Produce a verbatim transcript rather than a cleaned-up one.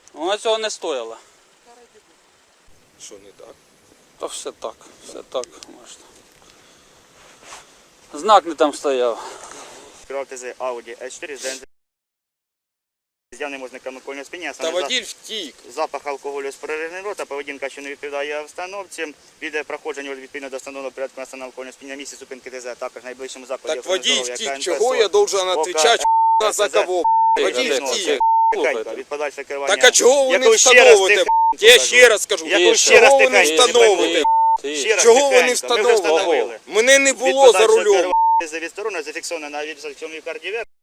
Вона цього не стояла. Що не так? Та все так, все так можна. Знак не там стояв. ТЗ Audi С чотири з ДНЗ з явним ознаком алкогольного сп'яніння. Та водій втік. Запах алкоголю з переривним рота, поведінка, що не відповідає обстановці, відео проходження відповідно до встановленого порядку настану алкогольного сп'яніння місці зупинки ТЗ, також в найближчому закладі. Так водій здоров'я втік, КНП чого СО. я должен відповідати на за кого? Водій втік. Тихенько, від подальшого керування. Так а чого ви не Яку ще раз встановите? тихенько Я кажу. ще раз кажу, Яку ще раз чого ви не тихенько? встановите? Ще раз Чого ви не тихенько. Ми вже встановили? встановили. Мене не Від було за подальшого рулем. керування відсторонено, зафіксовано на відеофіксованій кардіовер.